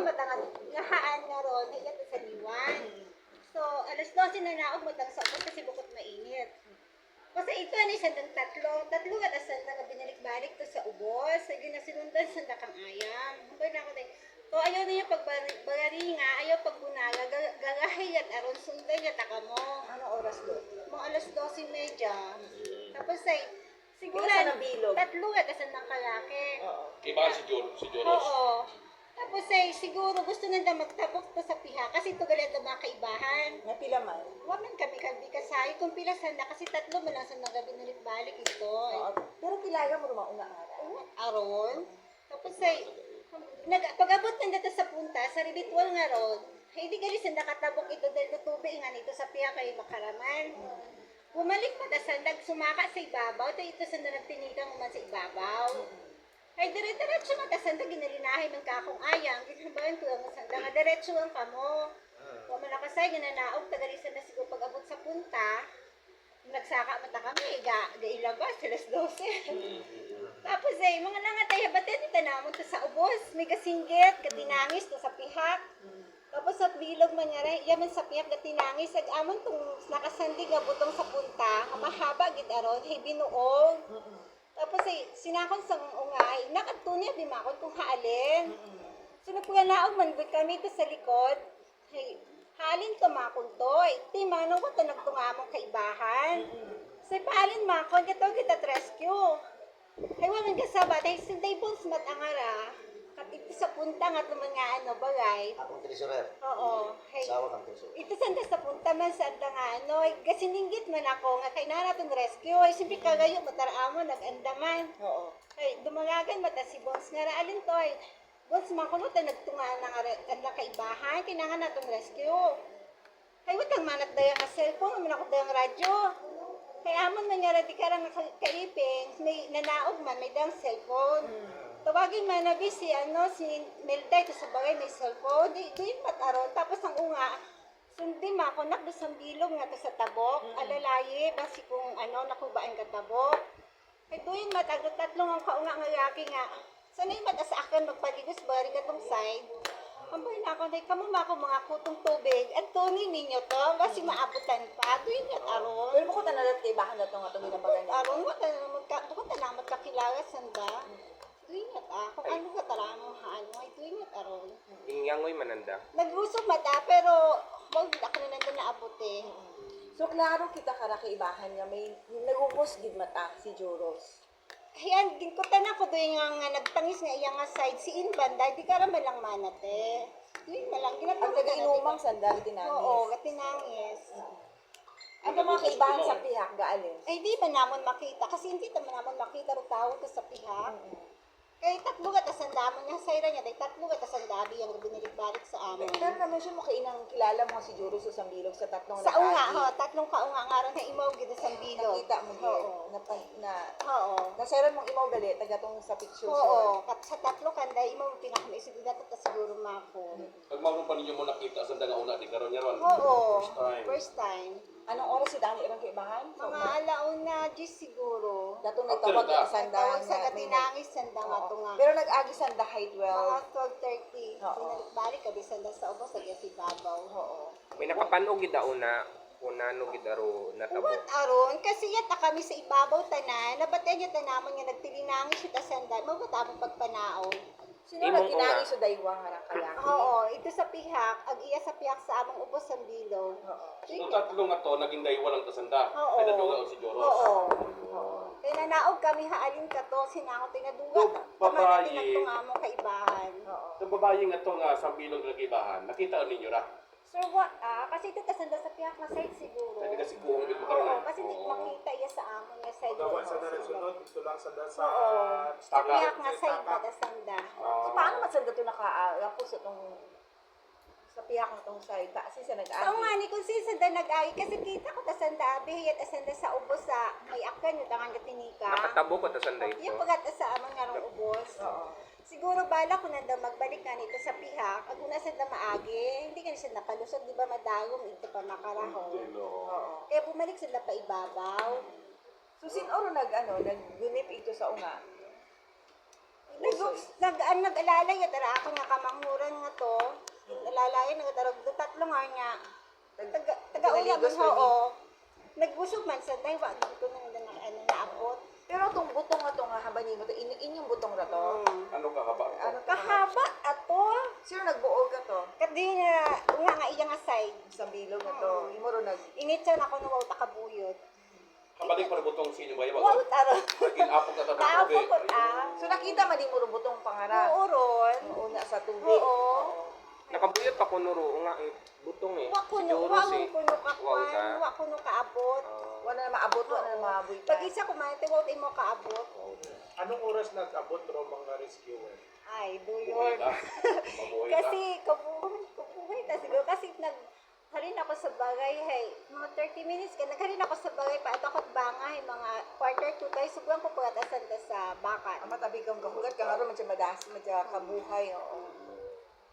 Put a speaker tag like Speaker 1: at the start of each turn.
Speaker 1: naman matangad lahaan nga ron, higat sa liwan. So, alas 12 na naog matang sa ubos kasi bukod mainit. Kasi ito ni sandang tatlo at sandang nga binalik-balik to sa ubos. Sige na sinundan sandang kang ayam. Humbay na ako tayo. So, ayaw niya pagbagari nga, ayaw pagbunaga, gagahay at aron sundan niya taka mo.
Speaker 2: Anong oras doon?
Speaker 1: Mga alas 12:30. Tapos ay, siguro,
Speaker 2: Isa na bilog.
Speaker 1: tatlo at sandang kalaki.
Speaker 2: Oo.
Speaker 3: Iba si Joros.
Speaker 1: Oo. Tapos ay, siguro gusto nanda magtabok to sa piha kasi ito galit na mga kaibahan.
Speaker 2: Napila man.
Speaker 1: Waman kami kasayo kung pila sanda kasi tatlo man lang sa nagabi balik ito.
Speaker 2: Oo. Pero kilaga mo rumauna nga.
Speaker 1: Aron. Tapos ay, pag-abot na dito sa punta, sa ritual nga ron, hindi gali sanda katabok ito dahil tubig nga nito sa piha kay makaraman. Bumalik pa ta sandag sumaka sa ibabaw, tayo ito sanda nagtinikang man sa ibabaw. Ay, dire-diretso man ta sanda ginalinahay man ka akong ayang, ginabayan ko ang sanda nga diretso ang kamo. Kung malakasay, ginanaog, tagalisan na siguro pag-abot sa punta, nagsaka mata kami, gailabas, alas 12. Tapos ay, mga nangatay, batin, itanamon to sa ubos, may kasinggit, katinangis to sa pihak. Tapos sa bilog man nga rin, yaman sa pihak katinangis, ag-amon tong nakasandig nga butong sa punta, mahaba gid aron, hay binuog. Tapos ay, sinakon sa ungay, nakatunya bimakon kung haalin. So nagpuganaog man gud kami to sa likod, hay, halin to makon to, ti manong ko to nagtungamong kaibahan. So paalin makon, kita rescue. Hay waman kasabat, hay sinday bones matangara, kat ito sa punta nga ito mga bagay.
Speaker 4: Akong treasurer.
Speaker 1: Oo, hay.
Speaker 4: Sawa kang treasurer.
Speaker 1: Ito sanda sa punta man sa nga kasi ninggit man ako nga kay natin rescue, ay simple kagayo mataraamo nag-andaman.
Speaker 2: Oo.
Speaker 1: Ay dumalagan mata si Bones nga raalin to ay Bones man kuno ta nagtunga nga kaibahan, kinangan natong rescue. Hay watang manat dayang nga cellphone, man ako dayang radyo. Kaya amon man nga di karang kaiping, may nanaog man may dang cellphone. Tawagin man na si si Melday to sa bagay may cellphone, di mataron tapos ang unga sundi ma ko nak sa bilog nga to sa tabok, alalaye basi kung nakubaan ka tabok. Kay duin matagot tatlong ang kaunga nga laki nga. Sanay mata sa akin magpaligos bari katong side. Ambay na ako, kamo mako mga kutong tubig. At tunin ninyo to, basi maabutan pa. Duin nga aron.
Speaker 2: Pero bukod na nalat kay bahan na ito nga itong ginabagan niya.
Speaker 1: Aron, bukod na magkakilala sanda. Duin nga kung ano ka tala mo ay duin nga aron.
Speaker 5: Ingyangoy mananda.
Speaker 1: Naglusog mata, pero wag ako na nandun naabuti.
Speaker 2: So, klaro kita kara kay bahan nga may nagupos gid mata si Joros.
Speaker 1: Ayan, ginkutan ako doon nga nagtangis nga iyang nga side si Inbanda, di ka raman lang manate. Doon na lang,
Speaker 2: Ang
Speaker 1: ginatawag
Speaker 2: taga-inumang sandal tinangis.
Speaker 1: Oo, katinangis.
Speaker 2: Ang mga kaibahan sa pihak gaalin.
Speaker 1: Ay, di ba namon makita? Kasi hindi naman namon makita rin tao to sa pihak. Kaya tatlo ka tasandamon nga sayra niya, dahil tatlo ka tasandabi yung binalik-balik sa amin.
Speaker 2: Pero na-mention mo kay inang kilala mo si Joros sa Sambilog sa tatlong
Speaker 1: Sa unga,
Speaker 2: nag-agi.
Speaker 1: tatlong kaunga nga rin na imaw gito sa bilog.
Speaker 2: Nakita mo
Speaker 1: Oo. Oo.
Speaker 2: Nasairan mong imaw gali, taga tong sa picture.
Speaker 1: Oo, sa tatlo kanda, imaw pinakamaisip na ito siguro mako.
Speaker 3: Pag mauron pa ninyo mo nakita sa nga una, di karon niya ron.
Speaker 1: Oo,
Speaker 3: First time.
Speaker 1: first time.
Speaker 2: Anong oras si Dani irang kaibahan?
Speaker 1: Mga alauna, Diyos siguro.
Speaker 2: Datong
Speaker 3: After
Speaker 2: nagtawag
Speaker 3: that.
Speaker 2: ang sanda.
Speaker 1: Tawag sa
Speaker 2: nga may
Speaker 1: katinangis, sanda nga ito nga.
Speaker 2: Pero nag-agi sanda high
Speaker 1: Mga
Speaker 2: 12.
Speaker 1: 12:30.
Speaker 2: Oo.
Speaker 1: Binalik-balik kami sanda sa ubos, sa si Babaw.
Speaker 2: Oo.
Speaker 5: May nakapanog gid una, kunano gid aro natabo.
Speaker 1: Uwan aron, kasi yata kami sa ibabaw tanan, nabatan niya tanamon nga nagtilinangis siya ta sanda, mabatamong pagpanaon.
Speaker 2: Sino
Speaker 5: Imong
Speaker 2: nagkinangis sa daywa nga rang kalaki?
Speaker 1: Oo, ito sa pihak, ag iya sa pihak sa among ubos ang bilog.
Speaker 2: Oo.
Speaker 3: So tatlo nga to, naging daywa lang tasanda.
Speaker 1: Oo.
Speaker 3: Ay naduga si Joros.
Speaker 1: Oo. Kaya nanaog kami haalin ka to, sinangot tinaduga.
Speaker 3: So, babae.
Speaker 1: Ito nga among kaibahan.
Speaker 2: Oo.
Speaker 3: Sa babae nga to nga sa bilog na kibahan, nakita ninyo ra.
Speaker 1: Sir, what? Kasi ito tasanda sa pihak na side siguro.
Speaker 3: Kaya kasi kung gid makaroon.
Speaker 1: Oo, kasi hindi makita iya sa amon nga side.
Speaker 6: Gawa sa sunod, ito lang sa
Speaker 1: Oo. Sa
Speaker 3: Taka.
Speaker 1: pihak nga side ba tasanda.
Speaker 2: So, paano masanda ito nakaapos itong sa pihak na itong side? Kasi sa nag-agi.
Speaker 1: Oo nga ni kung sisa da nag-ay kasi kita ko tasanda abihiyat asanda sa ubos sa may akan yung tangan katinika.
Speaker 5: Nakatabo ko ta sanday
Speaker 1: Yung
Speaker 5: ito.
Speaker 1: pagkat sa amon nga rong ubos.
Speaker 2: Oo.
Speaker 1: Siguro bala ko nanda magbalik ka nito sa pihak. Ag una sa maagi, hindi ka siya nakalusot, di ba madagong ito pa makarahon.
Speaker 2: Oo.
Speaker 1: Kaya bumalik sila pa ibabaw.
Speaker 2: So, sinoro nag-gunip ito sa unga?
Speaker 1: Nag-alalay ya dara ako nga kamanguran nga to. Alalay nga darag do tatlo nga nya. Taga-uya man
Speaker 2: Pinaligos
Speaker 1: ho.
Speaker 2: kami.
Speaker 1: Oo. Nagbusog man sa day wa dito nang naabot.
Speaker 2: Pero itong butong na to nga habani mo to, inyong butong na to.
Speaker 3: Ano kahaba?
Speaker 2: Ano to?
Speaker 1: Kahaba ato.
Speaker 2: Sino nagbuog ka to?
Speaker 1: Kadi nga iya nga side.
Speaker 2: Sa bilog na to. Imo ro nag
Speaker 1: Initsa na ako na wow takabuyot.
Speaker 3: Kabalik pa rin butong sinyo ba
Speaker 1: Wow
Speaker 3: yun?
Speaker 1: taro.
Speaker 3: Naging apog na tapos
Speaker 1: Taapo
Speaker 3: tubig.
Speaker 1: ko
Speaker 2: So nakita man mo ro butong pangarap.
Speaker 1: Oo ron.
Speaker 2: Una sa tubig.
Speaker 1: Oo.
Speaker 5: Nakabuyot ako nuro nga ang butong eh.
Speaker 1: Wa kuno
Speaker 5: Siguro
Speaker 1: wa
Speaker 5: si
Speaker 1: kuno
Speaker 5: Wow ka.
Speaker 1: kakwan, wa kuno kaabot.
Speaker 2: Wala na maabot, wala na maaboy pa.
Speaker 1: Pag isa kumain wa imo kaabot.
Speaker 6: Anong oras nag-abot ro mga rescuer?
Speaker 1: Ay,
Speaker 3: Buhay
Speaker 1: duyon.
Speaker 3: ka. Mabuhay ka.
Speaker 1: Kasi kabuhay ta siguro kasi harin ako sa bagay hay mga 30 minutes ka nagharin ako sa bagay pa ato ako bangay mga quarter to tayo subuan ko pagatasan ta sa bakat.
Speaker 2: Ang matabi kang kahugat ka nga ro man siya madas, man siya kabuhay. Oo.